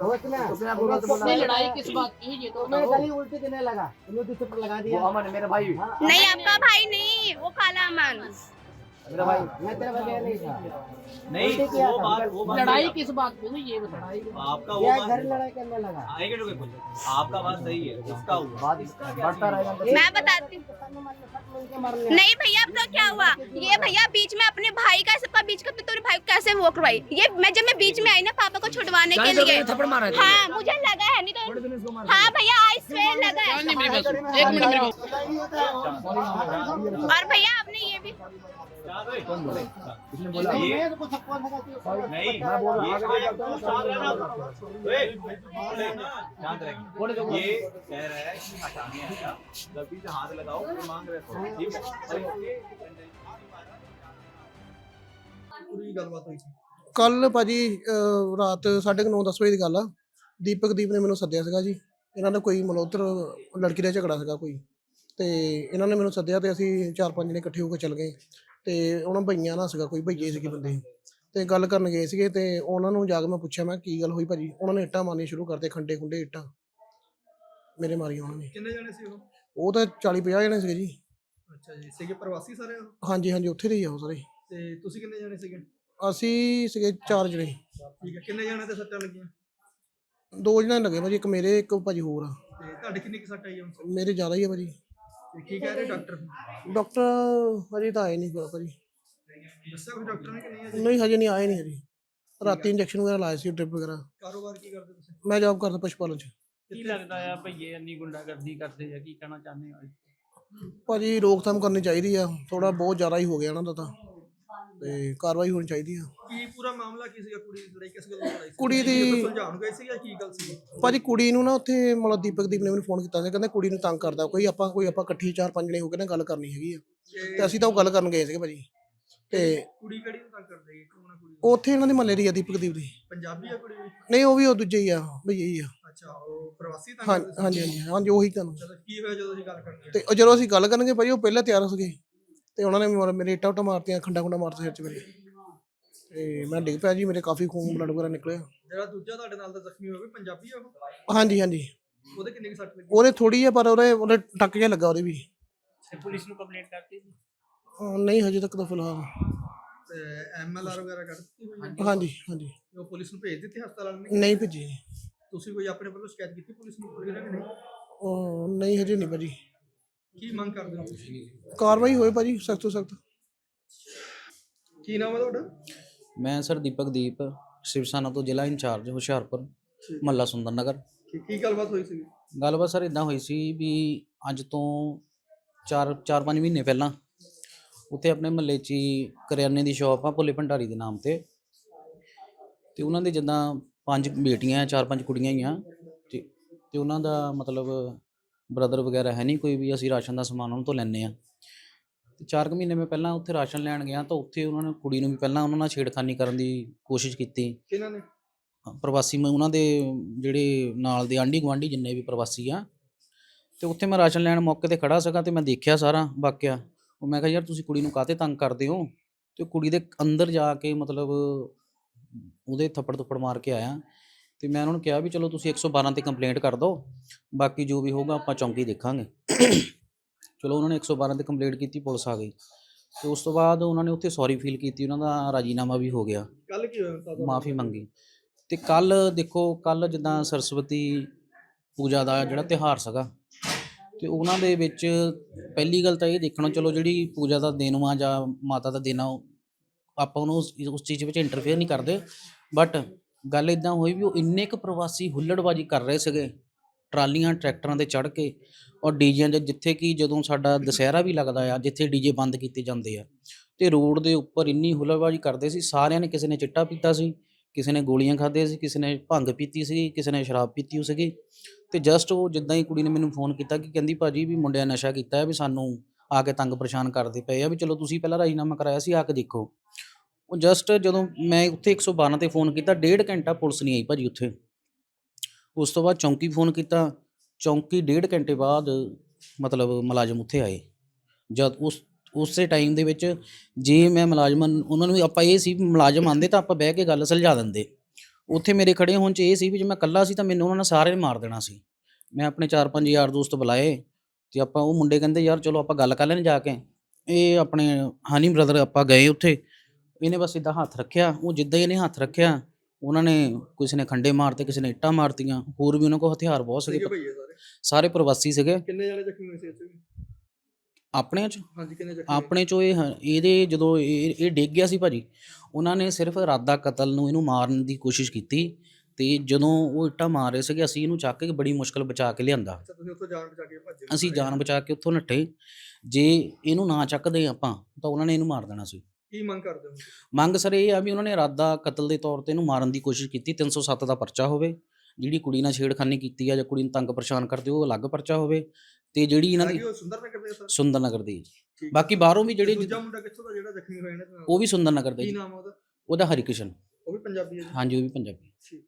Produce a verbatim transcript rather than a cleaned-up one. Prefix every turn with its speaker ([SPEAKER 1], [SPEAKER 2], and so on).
[SPEAKER 1] लड़ाई किस बात की है ये तो बताओ।
[SPEAKER 2] उल्टी देने लगा, लगा दिया।
[SPEAKER 1] वो अमन मेरा भाई,
[SPEAKER 3] नहीं आपका भाई नहीं, वो काला अमन।
[SPEAKER 1] मेरा भाई
[SPEAKER 2] मैं तेरा बगैर नहीं था।
[SPEAKER 4] नहीं
[SPEAKER 2] उल्टी किया
[SPEAKER 4] वो
[SPEAKER 2] था।
[SPEAKER 4] बात वो बात
[SPEAKER 1] लड़ाई
[SPEAKER 4] नहीं।
[SPEAKER 1] किस बात की है ये बताओ।
[SPEAKER 4] आपका वो
[SPEAKER 2] क्या
[SPEAKER 4] बात
[SPEAKER 2] घर लड़ाई करने लगा।
[SPEAKER 4] आएगा जो कुछ आपका बात सही है, इसका हुआ
[SPEAKER 1] बात बढ़ता रहेगा।
[SPEAKER 3] मैं बताती हूँ। नहीं भैया अब तो क्या हुआ, ये भैया बीच में अपने भाई का सबका बीच का, तो तेरे भाई को कैसे वो करवाई। ये मैं जब मैं बीच में आई ना पापा को छुड़वाने के लिए,
[SPEAKER 1] थप्पड़ मारा है।
[SPEAKER 3] हाँ मुझे लगा है, नहीं तो हाँ भैया आई स्वेर लगा है।
[SPEAKER 1] नहीं मेरी बात सुन, एक मिनट मेरी बात
[SPEAKER 3] और भैया आपने ये भी
[SPEAKER 4] इसने बोला ये नहीं ये कोई आपको साथ रहना शांत रहिए। ये कह रहा है कि हटाने आया, गलती से हाथ लगाओ फिर मांग रहे हो, ठीक है।
[SPEAKER 5] पूरी गलबात हुई थी
[SPEAKER 6] ਕੱਲ ਭਾਜੀ ਅਹ ਰਾਤ ਸਾਢੇ ਕੁ ਨੌ ਦਸ ਵਜੇ ਦੀ ਗੱਲ ਆ। ਦੀਪਕ ਦੀਪ ਨੇ ਮੈਨੂੰ ਸੱਦਿਆ ਸੀਗਾ ਜੀ। ਇਹਨਾਂ ਦਾ ਕੋਈ ਮਲਹੋਤਰ ਲੜਕੀ ਦਾ ਝਗੜਾ ਸੀਗਾ ਕੋਈ, ਤੇ ਇਹਨਾਂ ਨੇ ਮੈਨੂੰ ਸੱਦਿਆ ਤੇ ਅਸੀਂ ਚਾਰ ਪੰਜ ਜਣੇ ਇਕੱਠੇ ਹੋ ਕੇ ਚੱਲ ਗਏ। ਤੇ ਉਹਨਾਂ ਭਈਆਂ ਨਾਲ ਸੀਗਾ, ਕੋਈ ਭਈਏ ਸੀਗੇ ਬੰਦੇ, ਤੇ ਗੱਲ ਕਰਨ ਗਏ ਸੀਗੇ। ਤੇ ਉਹਨਾਂ ਨੂੰ ਜਾ ਕੇ ਮੈਂ ਪੁੱਛਿਆ, ਮੈਂ ਕੀ ਗੱਲ ਹੋਈ ਭਾਜੀ। ਉਹਨਾਂ ਨੇ ਇੱਟਾਂ ਮਾਰਨੀਆਂ ਸ਼ੁਰੂ ਕਰਤੇ, ਖੰਡੇ ਖੁੰਡੇ ਇੱਟਾਂ ਮੇਰੇ ਮਾਰੀਆਂ ਉਹਨਾਂ ਨੇ।
[SPEAKER 5] ਕਿੰਨੇ ਜਣੇ ਸੀ ਉਹ?
[SPEAKER 6] ਉਹ ਤਾਂ ਚਾਲੀ ਪੰਜਾਹ ਜਣੇ ਸੀਗੇ ਜੀ।
[SPEAKER 5] ਅੱਛਾ ਜੀ, ਸੀਗੇ ਪ੍ਰਵਾਸੀ ਸਾਰੇ ਉਹ?
[SPEAKER 6] ਹਾਂਜੀ ਹਾਂਜੀ, ਉੱਥੇ ਦੇ ਹੀ ਆ ਉਹ ਸਾਰੇ।
[SPEAKER 5] ਤੇ ਤੁਸੀਂ ਕਿੰਨੇ ਜਣੇ ਸੀਗੇ?
[SPEAKER 6] ਅਸੀਂ ਸੀਗੇ ਚਾਰ ਜਣੇ।
[SPEAKER 5] ਠੀਕ ਹੈ, ਕਿੰਨੇ ਜਣੇ ਤੇ ਸੱਟਾਂ ਲੱਗੀਆਂ?
[SPEAKER 6] ਦੋ ਜਣੇ ਲੱਗੇ ਭਾਜੀ, ਇੱਕ ਮੇਰੇ ਇੱਕ ਭਾਜੀ ਹੋਰ ਆ।
[SPEAKER 5] ਤੇ ਤੁਹਾਡੇ ਕਿੰਨੀ ਕੁ ਸੱਟ ਆਈ ਹੁਣ?
[SPEAKER 6] ਮੇਰੇ ਜ਼ਿਆਦਾ ਹੀ ਆ ਭਾਜੀ।
[SPEAKER 5] ਤੇ ਕੀ ਕਹਿ ਰਹੇ ਡਾਕਟਰ?
[SPEAKER 6] ਡਾਕਟਰ ਹਜੇ ਤਾਂ ਆਏ ਨਹੀਂ ਭਾਜੀ।
[SPEAKER 5] ਦੱਸਿਆ ਕੋਈ ਡਾਕਟਰ ਨੇ ਕਿ ਨਹੀਂ ਅਜੇ?
[SPEAKER 6] ਨਹੀਂ ਹਜੇ ਨਹੀਂ ਆਏ ਨਹੀਂ ਹਜੇ। ਰਾਤੀ ਇੰਜੈਕਸ਼ਨ ਵਗੈਰਾ ਲਾਏ ਸੀ, ਡ੍ਰਿਪ ਵਗੈਰਾ।
[SPEAKER 5] ਕਾਰੋਬਾਰ ਕੀ ਕਰਦੇ ਤੁਸੀਂ?
[SPEAKER 6] ਮੈਂ ਜੌਬ ਕਰਦਾ ਪਸ਼ੂ ਪਾਲਣ 'ਚ।
[SPEAKER 1] ਕੀ ਲੱਗਦਾ ਆ ਭਈਏ ਇੰਨੀ ਗੁੰਡਾਗਰਦੀ ਕਰਦੇ ਆ, ਕੀ ਕਹਿਣਾ ਚਾਹੁੰਦੇ ਹੋ?
[SPEAKER 6] ਭਾਜੀ ਰੋਕਥਾਮ ਕਰਨੀ ਚਾਹੀਦੀ ਆ, ਥੋੜਾ ਬਹੁਤ ਜ਼ਿਆਦਾ ਹੀ ਹੋ ਗਿਆ ਇਹਨਾਂ ਦਾ ਤਾਂ, ਤੇ ਕਾਰਵਾਈ ਹੋਣੀ ਚਾਹੀਦੀ ਆ।
[SPEAKER 5] ਕੀ ਪੂਰਾ ਮਾਮਲਾ ਕੀ ਸੀਗਾ? ਕੁੜੀ ਦੀ ਲੜਾਈ ਕਿਸ ਗੱਲ ਤੋਂ ਲੜਾਈ ਸੀ?
[SPEAKER 6] ਕੁੜੀ ਦੀ-
[SPEAKER 5] ਕੋਈ ਸੁਲਝਾਉਣ ਗਏ ਸੀ ਜਾਂ ਕੀ ਗੱਲ ਸੀ?
[SPEAKER 6] ਭਾਜੀ ਕੁੜੀ ਨੂੰ ਨਾ ਉੱਥੇ ਮਤਲਬ ਦੀਪਕ ਦੀਪ ਨੇ ਮੈਨੂੰ ਫੋਨ ਕੀਤਾ ਸੀ, ਕਹਿੰਦਾ ਕੁੜੀ ਨੂੰ ਤੰਗ ਕਰਦਾ ਕੋਈ, ਆਪਾਂ ਕੋਈ ਆਪਾਂ ਇਕੱਠੀ ਚਾਰ ਪੰਜ ਜਣੇ ਹੋ ਕੇ ਨਾ ਗੱਲ ਕਰਨੀ ਹੈਗੀ ਆ। ਤੇ ਅਸੀਂ ਤਾਂ ਉਹ ਗੱਲ ਕਰਨ ਗਏ ਸੀਗੇ ਭਾਜੀ। ਤੇ
[SPEAKER 5] ਕੁੜੀ ਕਿਹੜੀ ਨੂੰ ਤੰਗ ਕਰਦੀ ਹੈ? ਕੌਣ ਆ ਕੁੜੀ?
[SPEAKER 6] ਉੱਥੇ ਇਹਨਾਂ ਦੇ ਮਹੱਲੇ ਦੀ ਆ, ਦੀਪਕ ਦੀਪ ਦੀ।
[SPEAKER 5] ਪੰਜਾਬੀ ਆ ਕੁੜੀ ਵੀ?
[SPEAKER 6] ਨਹੀਂ ਉਹ ਵੀ ਉਹ ਦੂਜੇ ਹੀ ਆ, ਭਈਆ ਹੀ ਆ।
[SPEAKER 5] ਅੱਛਾ, ਉਹ ਪ੍ਰਵਾਸੀ ਤੰਗ
[SPEAKER 6] ਹਾਂ
[SPEAKER 5] ਕਰਦੇ ਸੀ?
[SPEAKER 6] ਹਾਂਜੀ ਹਾਂਜੀ ਹਾਂਜੀ, ਉਹੀ ਤੁਹਾਨੂੰ।
[SPEAKER 5] ਚਲੋ, ਕੀ ਹੋਇਆ ਜਦੋਂ ਅਸੀਂ ਗੱਲ ਕਰਦੇ?
[SPEAKER 6] ਤੇ ਉਹ ਜਦੋਂ ਅਸੀਂ ਗੱਲ ਕਰਨਗੇ ਭਾਜੀ, ਉਹ ਪਹਿਲਾਂ ਤਿਆਰ ਸੀਗੇ, ਤੇ ਉਹਨਾਂ ਨੇ ਮੇਰੇ- ਮੇਰੇ ਇੱਟਾਂ ਉੱਟਾਂ ਮਾਰਤੀਆਂ, ਖੰਡਾ ਖੁੰਡਾ ਮਾਰਤਾ ਸਿਰ 'ਚ ਮੇਰੇ, ਤੇ ਮੈਂ ਡਿੱਗ ਪਿਆ ਜੀ। ਮੇਰੇ ਕਾਫੀ ਖੂਨ ਬਲੱਡ ਵਗੈਰਾ ਨਿਕਲਿਆ।
[SPEAKER 5] ਜਿਹੜਾ ਦੂਜਾ ਤੁਹਾਡੇ ਨਾਲ ਦਾ ਜ਼ਖਮੀ ਹੋਇਆ, ਪੰਜਾਬੀ ਆ ਉਹ?
[SPEAKER 6] ਹਾਂਜੀ ਹਾਂਜੀ,
[SPEAKER 5] ਉਹਦੇ ਕਿੰਨੀ ਕੁ ਸੱਟ ਲੱਗੀ?
[SPEAKER 6] ਉਹਦੇ ਥੋੜੀ ਆ, ਪਰ ਉਹਦੇ ਉਹਦੇ ਟੱਕ ਜਿਹਾ ਲੱਗਾ ਉਹਦੇ ਵੀ।
[SPEAKER 1] ਤੇ ਪੁਲਿਸ ਨੂੰ ਕੰਪਲੇਂਟ ਕਰਤੀ ਸੀ?
[SPEAKER 6] ਅਹ ਨਹੀਂ ਹਜੇ ਤੱਕ ਤਾਂ ਫਿਲਹਾਲ।
[SPEAKER 5] ਤੇ ਐਮ ਐਲ ਆਰ ਵਗੈਰਾ ਕਰ ਦਿੱਤੀ ਹੋਈ ਹੈ?
[SPEAKER 6] ਹਾਂਜੀ ਹਾਂਜੀ,
[SPEAKER 5] ਉਹ ਪੁਲਿਸ ਨੂੰ ਭੇਜ ਦਿੱਤੀ ਹਸਪਤਾਲ ਵਾਲਿਆਂ ਨੇ?
[SPEAKER 6] ਨਹੀਂ ਭੇਜੀ।
[SPEAKER 5] ਤੁਸੀਂ ਕੋਈ ਆਪਣੇ ਵੱਲੋਂ ਸ਼ਿਕਾਇਤ ਕੀਤੀ ਪੁਲਿਸ ਨੂੰ ਕਿ ਨਹੀਂ?
[SPEAKER 6] ਉਹ ਨਹੀਂ ਹਜੇ ਨਹੀਂ ਭਾਜੀ।
[SPEAKER 5] ਕੀ ਮੰਗ ਕਰਦੇ ਹੋ ਤੁਸੀਂ?
[SPEAKER 6] ਕਾਰਵਾਈ ਹੋਏ ਭਾਜੀ, ਸਖਤ ਤੋਂ ਸਖਤ।
[SPEAKER 5] ਕੀ ਨਾਮ ਹੈ ਤੁਹਾਡਾ?
[SPEAKER 7] ਮੈਂ ਸਰ ਦੀਪਕ ਦੀਪ, ਸ਼ਿਵ ਸੈਨਾ ਤੋਂ ਜ਼ਿਲ੍ਹਾ ਇੰਚਾਰਜ ਹੁਸ਼ਿਆਰਪੁਰ, ਮਹੱਲਾ ਸੁੰਦਰ ਨਗਰ।
[SPEAKER 5] ਕੀ ਕੀ ਗੱਲਬਾਤ ਹੋਈ ਸੀ?
[SPEAKER 7] ਗੱਲਬਾਤ ਸਰ ਇੱਦਾਂ ਹੋਈ ਸੀ ਵੀ ਅੱਜ ਤੋਂ ਚਾਰ ਚਾਰ ਪੰਜ ਮਹੀਨੇ ਪਹਿਲਾਂ ਉੱਥੇ ਆਪਣੇ ਮਹੱਲੇ 'ਚ ਹੀ ਕਰਿਆਨੇ ਦੀ ਸ਼ਾਪ ਆ, ਭੋਲੇ ਭੰਡਾਰੀ ਦੇ ਨਾਮ 'ਤੇ। ਅਤੇ ਉਹਨਾਂ ਦੇ ਜਿੱਦਾਂ ਪੰਜ ਬੇਟੀਆਂ, ਚਾਰ ਪੰਜ ਕੁੜੀਆਂ ਹੀ ਆ, ਅਤੇ ਅਤੇ ਉਹਨਾਂ ਦਾ ਮਤਲਬ ਬ੍ਰਦਰ ਵਗੈਰਾ ਹੈ ਨਹੀਂ ਕੋਈ ਵੀ। ਅਸੀਂ ਰਾਸ਼ਨ ਦਾ ਸਮਾਨ ਉਹਨਾਂ ਤੋਂ ਲੈਂਦੇ ਹਾਂ। ਅਤੇ ਚਾਰ ਕੁ ਮਹੀਨੇ ਮੈਂ ਪਹਿਲਾਂ ਉੱਥੇ ਰਾਸ਼ਨ ਲੈਣ ਗਿਆ, ਤਾਂ ਉੱਥੇ ਉਹਨਾਂ ਨੇ ਕੁੜੀ ਨੂੰ ਵੀ ਪਹਿਲਾਂ ਉਹਨਾਂ ਨਾਲ ਛੇੜਖਾਨੀ ਕਰਨ ਦੀ ਕੋਸ਼ਿਸ਼ ਕੀਤੀ।
[SPEAKER 5] ਕਿਹਨਾਂ ਨੇ?
[SPEAKER 7] ਪ੍ਰਵਾਸੀ ਮੈਂ ਉਹਨਾਂ ਦੇ ਜਿਹੜੇ ਨਾਲ ਦੇ ਆਂਢੀ ਗੁਆਂਢੀ ਜਿੰਨੇ ਵੀ ਪ੍ਰਵਾਸੀ ਆ। ਅਤੇ ਉੱਥੇ ਮੈਂ ਰਾਸ਼ਨ ਲੈਣ ਮੌਕੇ 'ਤੇ ਖੜ੍ਹਾ ਸੀਗਾ, ਅਤੇ ਮੈਂ ਦੇਖਿਆ ਸਾਰਾ ਵਾਕਿਆ। ਉਹ ਮੈਂ ਕਿਹਾ ਯਾਰ ਤੁਸੀਂ ਕੁੜੀ ਨੂੰ ਕਾਹਤੇ ਤੰਗ ਕਰਦੇ ਹੋ। ਅਤੇ ਕੁੜੀ ਦੇ ਅੰਦਰ ਜਾ ਕੇ ਮਤਲਬ ਉਹਦੇ ਥੱਪੜ ਥੁੱਪੜ ਮਾਰ ਕੇ ਆਇਆ। ਅਤੇ ਮੈਂ ਉਹਨਾਂ ਨੂੰ ਕਿਹਾ ਵੀ ਚਲੋ ਤੁਸੀਂ ਇੱਕ ਸੌ ਬਾਰਾਂ 'ਤੇ ਕੰਪਲੇਂਟ ਕਰ ਦਿਓ, ਬਾਕੀ ਜੋ ਵੀ ਹੋਊਗਾ ਆਪਾਂ ਚੌਂਕੀ ਦੇਖਾਂਗੇ। ਚਲੋ ਉਹਨਾਂ ਨੇ ਇੱਕ ਸੌ ਬਾਰਾਂ 'ਤੇ ਕੰਪਲੇਂਟ ਕੀਤੀ, ਪੁਲਿਸ ਆ ਗਈ। ਅਤੇ ਉਸ ਤੋਂ ਬਾਅਦ ਉਹਨਾਂ ਨੇ ਉੱਥੇ ਸੌਰੀ ਫੀਲ ਕੀਤੀ, ਉਹਨਾਂ ਦਾ ਰਾਜੀਨਾਮਾ ਵੀ ਹੋ ਗਿਆ,
[SPEAKER 5] ਕੱਲ ਕੀ ਹੋਇਆ?
[SPEAKER 7] ਮਾਫੀ ਮੰਗੀ। ਅਤੇ ਕੱਲ੍ਹ ਦੇਖੋ, ਕੱਲ੍ਹ ਜਿੱਦਾਂ ਸਰਸਵਤੀ ਪੂਜਾ ਦਾ ਜਿਹੜਾ ਤਿਉਹਾਰ ਸੀਗਾ, ਅਤੇ ਉਹਨਾਂ ਦੇ ਵਿੱਚ ਪਹਿਲੀ ਗੱਲ ਤਾਂ ਇਹ ਦੇਖਣਾ, ਚਲੋ ਜਿਹੜੀ ਪੂਜਾ ਦਾ ਦਿਨ ਵਾ ਜਾਂ ਮਾਤਾ ਦਾ ਦਿਨ ਆ, ਆਪਾਂ ਉਹਨੂੰ ਉਸ ਉਸ ਚੀਜ਼ ਵਿੱਚ ਇੰਟਰਫੇਅਰ ਨਹੀਂ ਕਰਦੇ। ਬਟ ਗੱਲ ਇੱਦਾਂ ਹੋਈ ਵੀ ਉਹ ਇੰਨੇ ਕੁ ਪ੍ਰਵਾਸੀ ਹੁੱਲੜਬਾਜੀ ਕਰ ਰਹੇ ਸੀਗੇ, ਟਰਾਲੀਆਂ ਟਰੈਕਟਰਾਂ 'ਤੇ ਚੜ੍ਹ ਕੇ, ਔਰ ਡੀਜਿਆਂ 'ਚ, ਜਿੱਥੇ ਕਿ ਜਦੋਂ ਸਾਡਾ ਦੁਸਹਿਰਾ ਵੀ ਲੱਗਦਾ ਆ, ਜਿੱਥੇ ਡੀਜੇ ਬੰਦ ਕੀਤੇ ਜਾਂਦੇ ਆ, ਅਤੇ ਰੋਡ ਦੇ ਉੱਪਰ ਇੰਨੀ ਹੁੱਲੜਬਾਜੀ ਕਰਦੇ ਸੀ। ਸਾਰਿਆਂ ਨੇ, ਕਿਸੇ ਨੇ ਚਿੱਟਾ ਪੀਤਾ ਸੀ, ਕਿਸੇ ਨੇ ਗੋਲੀਆਂ ਖਾਧੀਆਂ ਸੀ, ਕਿਸੇ ਨੇ ਭੰਗ ਪੀਤੀ ਸੀ, ਕਿਸੇ ਨੇ ਸ਼ਰਾਬ ਪੀਤੀ ਹੋ ਸੀਗੀ। ਅਤੇ ਜਸਟ ਉਹ ਜਿੱਦਾਂ ਹੀ ਕੁੜੀ ਨੇ ਮੈਨੂੰ ਫੋਨ ਕੀਤਾ ਕਿ ਕਹਿੰਦੀ ਭਾਜੀ ਵੀ ਮੁੰਡਿਆਂ ਨਸ਼ਾ ਕੀਤਾ ਹੈ, ਵੀ ਸਾਨੂੰ ਆ ਕੇ ਤੰਗ ਪਰੇਸ਼ਾਨ ਕਰਦੇ ਪਏ ਆ, ਵੀ ਚਲੋ ਤੁਸੀਂ ਪਹਿਲਾਂ ਰਾਜੀਨਾਮਾ ਕਰਾਇਆ ਸੀ, ਆ ਕੇ ਦੇਖੋ। ਉਹ ਜਸਟ ਜਦੋਂ ਮੈਂ ਉੱਥੇ ਇੱਕ ਸੌ ਬਾਰਾਂ 'ਤੇ ਫੋਨ ਕੀਤਾ, ਡੇਢ ਘੰਟਾ ਪੁਲਿਸ ਨਹੀਂ ਆਈ ਭਾਜੀ ਉੱਥੇ। ਉਸ ਤੋਂ ਬਾਅਦ ਚੌਂਕੀ ਫੋਨ ਕੀਤਾ, ਚੌਂਕੀ ਡੇਢ ਘੰਟੇ ਬਾਅਦ ਮਤਲਬ ਮੁਲਾਜ਼ਮ ਉੱਥੇ ਆਏ। ਜਦ ਉਸ ਉਸੇ ਟਾਈਮ ਦੇ ਵਿੱਚ ਜੇ ਮੈਂ ਮੁਲਾਜ਼ਮਾਂ ਉਹਨਾਂ ਨੂੰ, ਆਪਾਂ ਇਹ ਸੀ ਮੁਲਾਜ਼ਮ ਆਉਂਦੇ ਤਾਂ ਆਪਾਂ ਬਹਿ ਕੇ ਗੱਲ ਸੁਲਝਾ ਦਿੰਦੇ। ਉੱਥੇ ਮੇਰੇ ਖੜੇ ਹੋਣ 'ਚ ਇਹ ਸੀ ਵੀ ਜੇ ਮੈਂ ਇਕੱਲਾ ਸੀ ਤਾਂ ਮੈਨੂੰ ਉਹਨਾਂ ਨੇ ਸਾਰੇ ਨੇ ਮਾਰ ਦੇਣਾ ਸੀ। ਮੈਂ ਆਪਣੇ ਚਾਰ ਪੰਜ ਯਾਰ ਦੋਸਤ ਬੁਲਾਏ ਤੇ ਆਪਾਂ ਉਹ ਮੁੰਡੇ ਕਹਿੰਦੇ ਯਾਰ ਚਲੋ ਆਪਾਂ ਗੱਲ ਕਰ ਲੈਣ ਜਾ ਕੇ। ਇਹ ਆਪਣੇ ਹਨੀ ਬ੍ਰਦਰ ਆਪਾਂ ਗਏ ਉੱਥੇ, ਇਹਨੇ ਬਸ ਇੱਦਾਂ ਹੱਥ ਰੱਖਿਆ, ਉਹ ਜਿੱਦਾਂ ਹੀ ਇਹਨੇ ਹੱਥ ਰੱਖਿਆ ਉਹਨਾਂ ਨੇ ਕਿਸੇ ਨੇ ਖੰਡੇ ਮਾਰਤੇ, ਕਿਸੇ ਨੇ ਇੱਟਾਂ ਮਾਰਤੀਆਂ, ਹੋਰ ਵੀ ਉਹਨਾਂ ਕੋਲ ਹਥਿਆਰ ਬਹੁਤ ਸੀਗੇ,
[SPEAKER 5] ਠੀਕ ਹੈ ਭਈਏ ਸਾਰੇ
[SPEAKER 7] ਸਾਰੇ ਪ੍ਰਵਾਸੀ ਸੀਗੇ।
[SPEAKER 5] ਕਿੰਨੇ ਜਾਣੇ ਜ਼ਖਮੀ ਹੋਏ ਸੀ ਇੱਥੇ ਵੀ?
[SPEAKER 7] ਆਪਣੇ 'ਚ
[SPEAKER 5] ਹਾਂਜੀ ਕਿੰਨੇ ਜ਼ਖਮੀ ਹੋਏ?
[SPEAKER 7] ਆਪਣੇ 'ਚੋਂ ਇਹ ਹ- ਇਹਦੇ ਜਦੋਂ ਇਹ ਇਹ ਡਿੱਗ ਗਿਆ ਸੀ ਭਾਜੀ, ਉਹਨਾਂ ਨੇ ਸਿਰਫ ਇਰਾਦਾ ਕਤਲ ਨੂੰ ਇਹਨੂੰ ਮਾਰਨ ਦੀ ਕੋਸ਼ਿਸ਼ ਕੀਤੀ ਤੇ ਜਦੋਂ ਉਹ ਇੱਟਾਂ ਮਾਰ ਰਹੇ ਸੀਗੇ ਅਸੀਂ ਇਹਨੂੰ ਚੱਕ ਕੇ ਬੜੀ ਮੁਸ਼ਕਲ ਬਚਾ ਕੇ ਲਿਆਂਦਾ।
[SPEAKER 5] ਅੱਛਾ ਤੁਸੀਂ ਉੱਥੋਂ ਜਾਨ ਬਚਾ ਕੇ ਭੱਜੇ?
[SPEAKER 7] ਅਸੀਂ ਜਾਨ ਬਚਾ ਕੇ ਉੱਥੋਂ ਨੱਠੇ। ਜੇ ਇਹਨੂੰ ਨਾ ਚੱਕਦੇ ਆਪਾਂ ਤਾਂ ਉਹਨਾਂ ਨੇ ਇਹਨੂੰ ਮਾਰ ਦੇਣਾ ਸੀ।
[SPEAKER 5] ਕੀ ਮੰਗ ਕਰਦੇ ਹੋ?
[SPEAKER 7] ਮੰਗ ਸਰ ਇਹ ਆ ਵੀ ਉਹਨਾਂ ਨੇ ਇਰਾਦਾ ਕਤਲ ਦੇ ਤੌਰ ਤੇ ਇਹਨੂੰ ਮਾਰਨ ਦੀ ਕੋਸ਼ਿਸ਼ ਕੀਤੀ, ਤਿੰਨ ਸੌ ਸੱਤ ਦਾ ਪਰਚਾ ਹੋਵੇ। ਜਿਹੜੀ ਕੁੜੀ ਨਾਲ ਛੇੜਖਾਨੀ ਕੀਤੀ ਆ ਜਾਂ ਕੁੜੀ ਨੂੰ ਤੰਗ ਪਰੇਸ਼ਾਨ ਕਰਦੇ ਉਹ ਅਲੱਗ ਪਰਚਾ ਹੋਵੇ ਤੇ ਜਿਹੜੀ ਇਹਨਾਂ ਦੀ
[SPEAKER 5] ਹੈਗੀ ਉਹ ਸੁੰਦਰ ਨਗਰ ਦੇ ਸਰ?
[SPEAKER 7] ਸੁੰਦਰ ਨਗਰ ਦੀ ਜੀ।
[SPEAKER 5] ਠੀਕ।
[SPEAKER 7] ਬਾਕੀ ਬਾਹਰੋਂ ਵੀ ਜਿਹੜੇ
[SPEAKER 5] ਦੂਜਾ ਮੁੰਡਾ ਕਿੱਥੋਂ ਦਾ ਜਿਹੜਾ ਜ਼ਖਮੀ ਹੋਇਆ ਇਹਨਾਂ ਦੇ ਨਾਲ?
[SPEAKER 7] ਉਹ ਵੀ ਸੁੰਦਰ ਨਗਰ ਦਾ
[SPEAKER 5] ਕੀ
[SPEAKER 7] ਜੀ।
[SPEAKER 5] ਨਾਮ ਆ ਉਹਦਾ?
[SPEAKER 7] ਉਹਦਾ ਹਰੀਕਿਸ਼ਨ।
[SPEAKER 5] ਉਹ ਵੀ ਪੰਜਾਬੀ ਹੈ ਜੀ?
[SPEAKER 7] ਹਾਂਜੀ ਉਹ ਵੀ ਪੰਜਾਬੀ।
[SPEAKER 5] ਠੀਕ।